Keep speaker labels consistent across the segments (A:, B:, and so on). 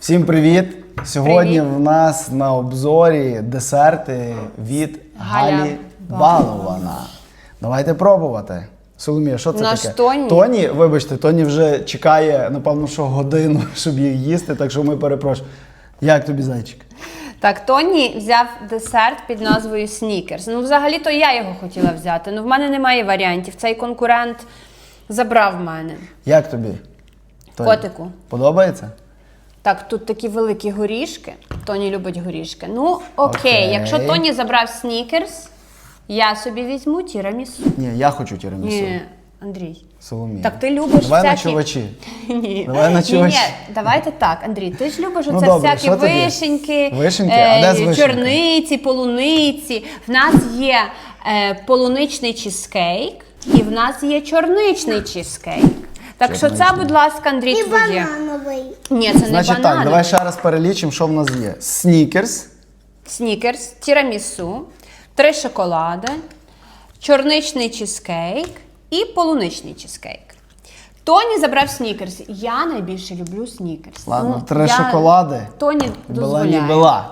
A: Всім привіт! Сьогодні
B: Привіт.
A: в нас на обзорі десерти від
B: Галя
A: Галі Балована. Давайте пробувати. Соломія, що це
B: Наш
A: таке?
B: Тоні.
A: Вибачте, Тоні вже чекає, напевно, що годину, щоб їх їсти, так що ми перепрошуємо. Як тобі, зайчик?
B: Так, Тоні взяв десерт під назвою Снікерс. Ну, взагалі-то я його хотіла взяти. Ну, в мене немає варіантів. Цей конкурент забрав в мене.
A: Як тобі? Тоні?
B: Котику.
A: Подобається?
B: Так, тут такі великі горішки. Тоні любить горішки. Ну, окей.
A: Окей.
B: Якщо Тоні забрав Снікерс, я собі візьму тірамісу.
A: Ні, я хочу тірамісу.
B: Ні, Андрій.
A: Соломія.
B: Так ти любиш
A: Давай на
B: всякі...
A: чувачі.
B: Ні.
A: Давай на чувачі.
B: Ні, давайте так, Андрій, ти ж любиш
A: Ну,
B: оце
A: добре,
B: всякі
A: що тоді?
B: вишеньки,
A: Вишеньки? А де з вишеньки?
B: чорниці, полуниці. В нас є полуничний чизкейк і в нас є чорничний чизкейк. Так що це,
A: Чорничний.
B: будь ласка, Андрій,
C: І
B: твоє.
C: банановий.
B: Ні, це не
A: Значить
B: банан.
A: так, давай ще раз перелічимо, що в нас є. Снікерс.
B: Снікерс, тірамісу, 3 шоколади, чорничний чизкейк і полуничний чизкейк. Тоні забрав снікерс. Я найбільше люблю снікерс.
A: Ладно, 3 шоколади.
B: Тоні
A: Була
B: дозволяє.
A: не була.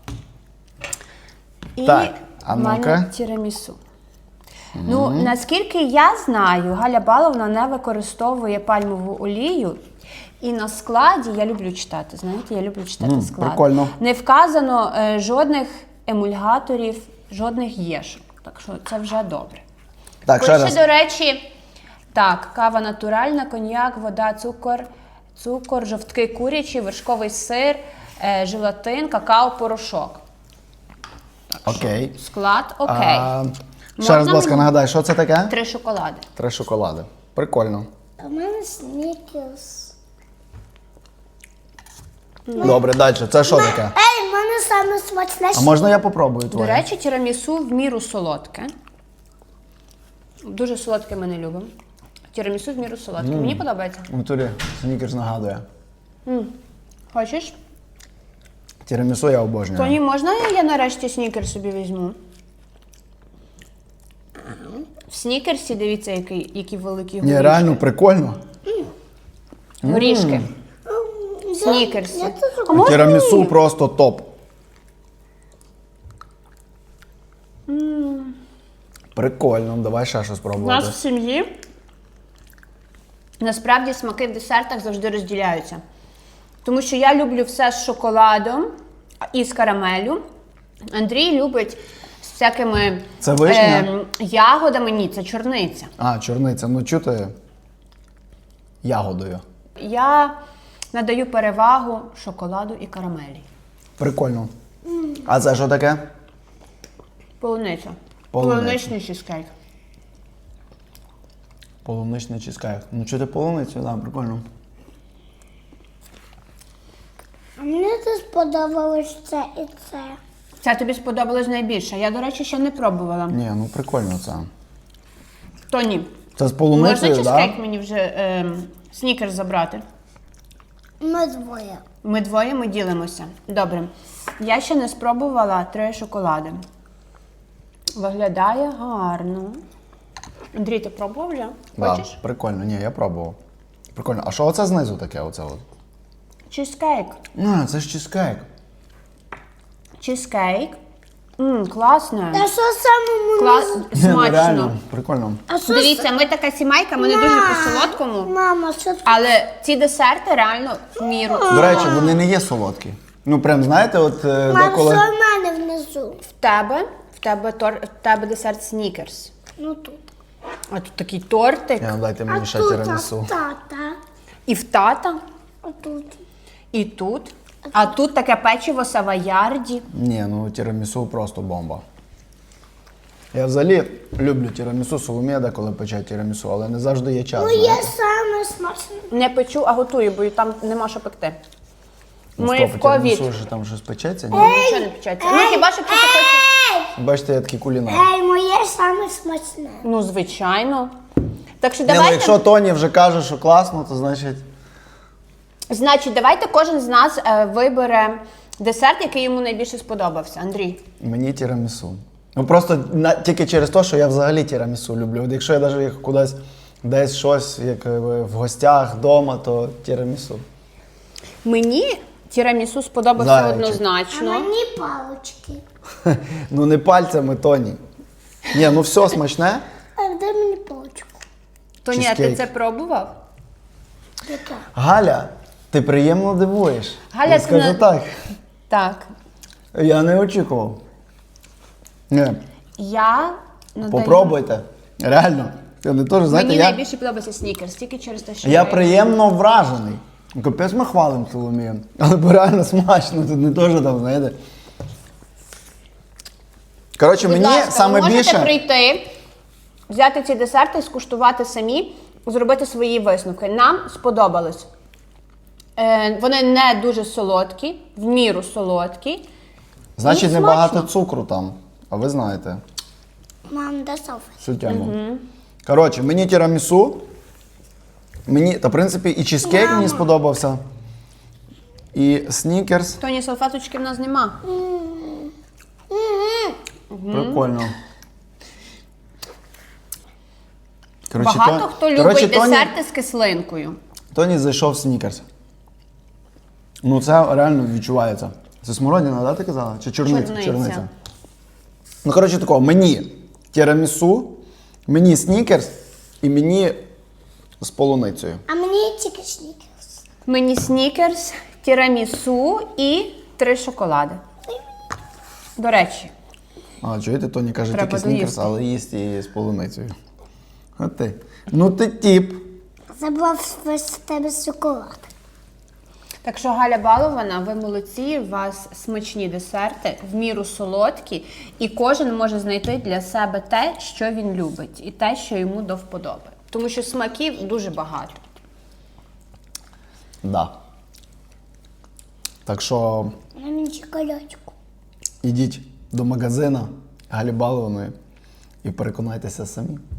B: І
A: Так, а
B: в мене
A: ну-ка.
B: тірамісу. Ну, наскільки я знаю, Галя Баловна не використовує пальмову олію. І на складі, я люблю читати, знаєте, я люблю читати склад.
A: прикольно.
B: Не вказано жодних емульгаторів, жодних єшок. Так що це вже добре.
A: Так, ще
B: Пише,
A: раз.
B: до речі, так, кава натуральна, коньяк, вода, цукор, жовтки курячі, вершковий сир, желатин, какао, порошок.
A: Окей.
B: Склад окей.
A: Ще раз, будь ласка,
B: мені?
A: нагадай, що це таке?
B: 3 шоколади.
A: 3 шоколади. Прикольно.
C: У мене снікерс.
A: Добре, далі. Це що таке?
C: Ей, в мене саме смачне.
A: А можна я попробую твоє?
B: До речі, тірамісу в міру солодке. Дуже солодке ми не любимо. Тірамісу в міру солодке. Мені подобається.
A: В натурі снікерс нагадує.
B: Хочеш?
A: Тірамісу я обожнюю.
B: Тоні, можна я нарешті снікерс собі візьму? В снікерсі, дивіться, які великі горішки.
A: Ні, реально прикольно.
B: Горішки. Снікерсі.
C: Я теж
B: А можна
A: Тірамісу
B: мені?
A: просто топ. Прикольно, давай ще щось
B: У нас
A: спробувати.
B: в сім'ї насправді смаки в десертах завжди розділяються. Тому що я люблю все з шоколадом і з карамеллю. Андрій любить з всякими
A: Це вишня?
B: ягодами. Ні, це чорниця.
A: А, чорниця, ну чути ягодою.
B: Я надаю перевагу шоколаду і карамелі.
A: Прикольно. А це що таке?
B: Полуниця.
A: Полуниця.
B: Полуничний чизкейк.
A: Полуничний чизкейк. Ну чути полуницю, так, прикольно.
C: А мені це сподобалось це і це.
B: Це тобі сподобалось найбільше. Я, до речі, ще не пробувала.
A: Ні, ну прикольно це.
B: Тоні,
A: Це з
B: можна
A: полуницею,
B: чизкейк
A: так?
B: мені вже снікерс забрати?
C: Ми двоє.
B: Ми двоє, ми ділимося. Добре. Я ще не спробувала 3 шоколади. Виглядає гарно. Андрій, ти пробував вже? Хочеш?
A: Да, прикольно, ні, я пробував. Прикольно. А що оце знизу таке? Оце от?
B: Чизкейк.
A: А, це ж чизкейк.
B: Чизкейк. Класно.
C: Та що самому
A: Ні, ну,
B: Смачно.
A: реально, прикольно.
C: А що
B: Дивіться, ми така сімейка, ми не дуже по-солодкому.
C: Мама, що це?
B: Але ці десерти реально в міру.
A: До речі, вони не є солодкі. Ну, прям, знаєте, от
C: Мам,
A: деколи...
C: що в мене внизу?
B: В тебе десерт снікерс.
C: Ну тут.
B: А тут такий тортик.
A: Я, дайте
C: А
A: мені ще
C: тут
A: тірамісу.
C: тата.
B: І в тата,
C: А тут.
B: і тут. А тут таке печиво савоярді.
A: Ні, ну тірамісу просто бомба. Я взагалі люблю тірамісу, Соломія деколи пече тірамісу, але не завжди є час.
C: Ну
A: знаєте.
C: є саме смачне.
B: Не печу, а готую, бо там нема що пекти.
A: Ну,
B: Ми
A: стоп,
B: в ковід.
A: тірамісу ж там щось печеться, ні?
B: Нічого не печеться. Ну хіба що хтось хоче.
A: Бачите, я такий кулінар.
C: Ей, моє саме смачне.
B: Ну, звичайно. Так що
A: Ні, ну,
B: давайте.
A: якщо Тоні вже каже, що класно, то значить...
B: Значить, давайте кожен з нас вибере десерт, який йому найбільше сподобався. Андрій.
A: Мені тірамісу. Ну просто тільки через те, що я взагалі тірамісу люблю. От якщо я навіть кудись десь щось, як в гостях, вдома, то тірамісу.
B: Мені Тірамісу сподобався
A: Зайчик.
C: А
B: однозначно.
C: мені палочки.
A: Ну не пальцями, Тоні. Ні, ну все смачне.
C: А де мені палочку?
B: Тоні, а ти
A: Чизкейк.
B: це пробував?
C: Яка?
A: Галя, ти приємно дивуєш.
B: Галя,
A: Я
B: ти
A: скажу
B: не-
A: так.
B: Так.
A: Я не очікував. Ні,
B: Я надаю...
A: попробуйте. Реально. Я не теж, знаєте,
B: Мені
A: я,
B: найбільше подобається снікерс, тільки через те, що
A: я приємно вражений. Капець ми хвалимо Соломію. Але бо реально смачно, тут не теж там, знаєте. Коротше,
B: Будь
A: мені
B: ласка,
A: саме
B: ви можете
A: більше.
B: прийти, взяти ці десерти, скуштувати самі, зробити свої висновки. Нам сподобалось. Вони не дуже солодкі, в міру солодкі.
A: Значить,
B: і
A: небагато
B: смачно.
A: цукру там. А ви знаєте
C: Мам, де Софа?
A: всю тему. Коротше, мені тірамісу. Мені, та в принципі, і чизкейк мені сподобався. І снікерс.
B: Тоні, салфеточки в нас нема.
A: Прикольно. Коротше,
B: Багато хто любить
A: коротше,
B: десерти з кислинкою.
A: Тоні зайшов в снікерс. Ну це реально відчувається. Це смородина, да, ти казала? Чи чорниця?
B: Чорниця.
A: Ну, коротше, такого, мені тірамісу, мені снікерс і мені з полуницею.
C: А мені тільки снікерс.
B: Мені снікерс, тірамісу і 3 шоколади. До речі,
A: А, чуєте, Тоні каже
B: Треба
A: тільки снікерс,
B: доїсти.
A: але їсть і з полуницею. От ти. Ну ти тіп.
C: Забрав весь з тебе шоколад.
B: так що Галя балована, ви молодці, у вас смачні десерти, в міру солодкі, і кожен може знайти для себе те, що він любить, і те, що йому до вподоби. Тому що смаків дуже багато.
A: Да. Так що
C: А мені шоколадку.
A: ідіть до магазину Галі Балованої і переконайтеся самі.